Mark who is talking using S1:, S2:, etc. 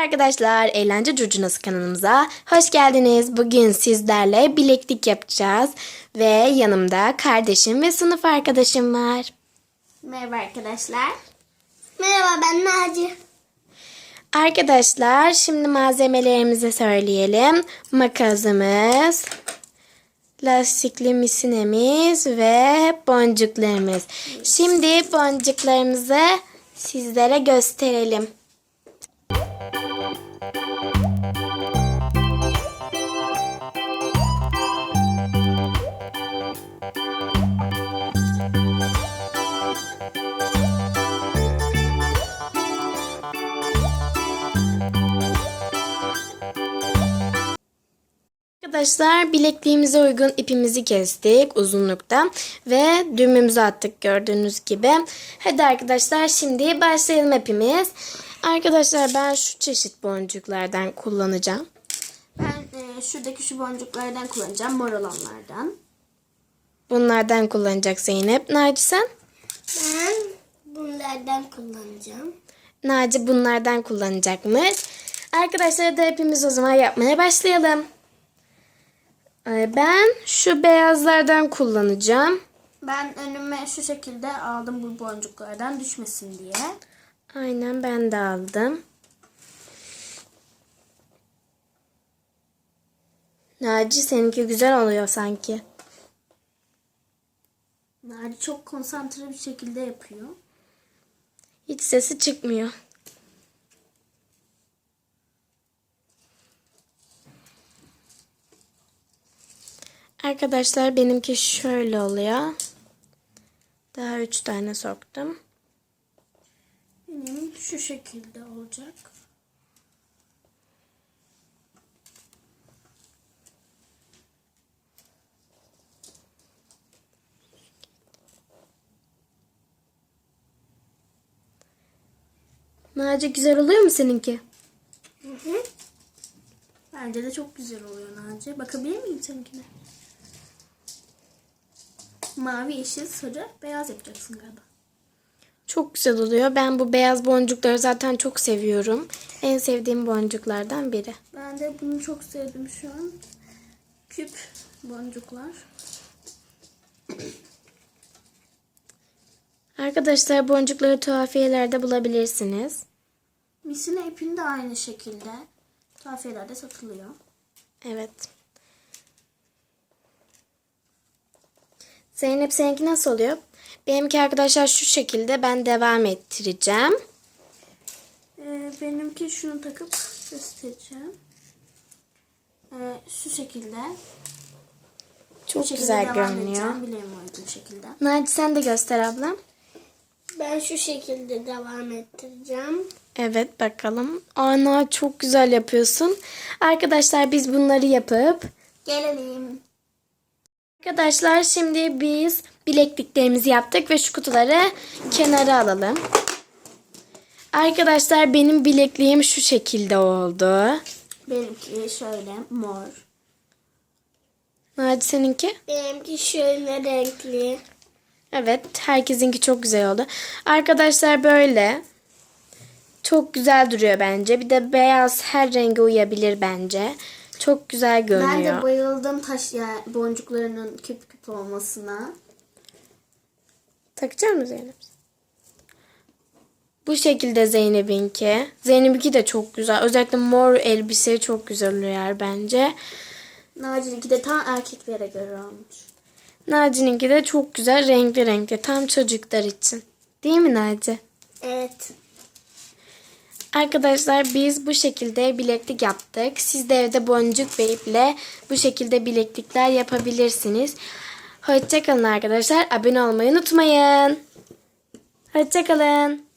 S1: Arkadaşlar, Eğlence Curcunası kanalımıza hoş geldiniz. Bugün sizlerle bileklik yapacağız. Ve yanımda kardeşim ve sınıf arkadaşım var.
S2: Merhaba arkadaşlar. Merhaba, ben Naci.
S1: Arkadaşlar, şimdi malzemelerimizi söyleyelim. Makasımız, lastikli misinemiz ve boncuklarımız. Şimdi boncuklarımızı sizlere gösterelim. Arkadaşlar, bilekliğimize uygun ipimizi kestik uzunlukta ve düğmemizi attık gördüğünüz gibi. Hadi arkadaşlar, şimdi başlayalım hepimiz. Arkadaşlar, ben şu çeşit boncuklardan kullanacağım.
S2: Ben şuradaki şu boncuklardan kullanacağım, mor olanlardan.
S1: Bunlardan kullanacak Zeynep. Naci sen?
S2: Ben bunlardan kullanacağım.
S1: Naci bunlardan kullanacakmış. Arkadaşlar da hepimiz o zaman yapmaya başlayalım. Ben şu beyazlardan kullanacağım.
S2: Ben önüme şu şekilde aldım bu boncuklardan düşmesin diye.
S1: Aynen, ben de aldım. Naci, seninki güzel oluyor sanki.
S2: Naci çok konsantre bir şekilde yapıyor.
S1: Hiç sesi çıkmıyor. Arkadaşlar, benimki şöyle oluyor. Daha 3 tane soktum.
S2: Benim şu şekilde olacak.
S1: Naci, güzel oluyor mu seninki?
S2: Hı hı. Bence de çok güzel oluyor Naci. Bakabilir miyim seninkine? Mavi, yeşil, sarı, beyaz yapacaksın galiba.
S1: Çok güzel oluyor. Ben bu beyaz boncukları zaten çok seviyorum. En sevdiğim boncuklardan biri.
S2: Ben de bunu çok sevdim şu an. Küp boncuklar.
S1: Arkadaşlar, boncukları tuhafiyelerde bulabilirsiniz.
S2: Misine ipini de aynı şekilde tuhafiyelerde satılıyor.
S1: Evet. Zeynep, seninki nasıl oluyor? Benimki arkadaşlar şu şekilde, ben devam ettireceğim.
S2: Benimki şunu takıp göstereceğim. Şu şekilde.
S1: Çok
S2: Bu şekilde
S1: güzel
S2: devam
S1: görünüyor.
S2: edeceğim, bileğime uygun şekilde.
S1: Naci, sen de göster ablam.
S2: Ben şu şekilde devam ettireceğim.
S1: Evet, bakalım. Ana, çok güzel yapıyorsun. Arkadaşlar, biz bunları yapıp
S2: Gelelim.
S1: Arkadaşlar, şimdi biz bilekliklerimizi yaptık ve şu kutuları kenara alalım. Arkadaşlar, benim bilekliğim şu şekilde oldu.
S2: Benimki şöyle mor.
S1: Naci, seninki?
S2: Benimki şöyle renkli.
S1: Evet, herkesinki çok güzel oldu. Arkadaşlar, böyle çok güzel duruyor bence. Bir de beyaz her renge uyabilir bence. Çok güzel görünüyor.
S2: Ben de bayıldım boncuklarının küp küp olmasına.
S1: Takacak mısın Zeynep? Bu şekilde Zeynep'inki. Zeynep'inki de çok güzel. Özellikle mor elbise çok güzel oluyor bence.
S2: Naci'ninki de tam erkeklere göre olmuş.
S1: Naci'ninki de çok güzel, renkli renkli. Tam çocuklar için. Değil mi Naci?
S2: Evet.
S1: Arkadaşlar, biz bu şekilde bileklik yaptık. Siz de evde boncuk ve iple bu şekilde bileklikler yapabilirsiniz. Hoşça kalın arkadaşlar. Abone olmayı unutmayın. Hoşça kalın.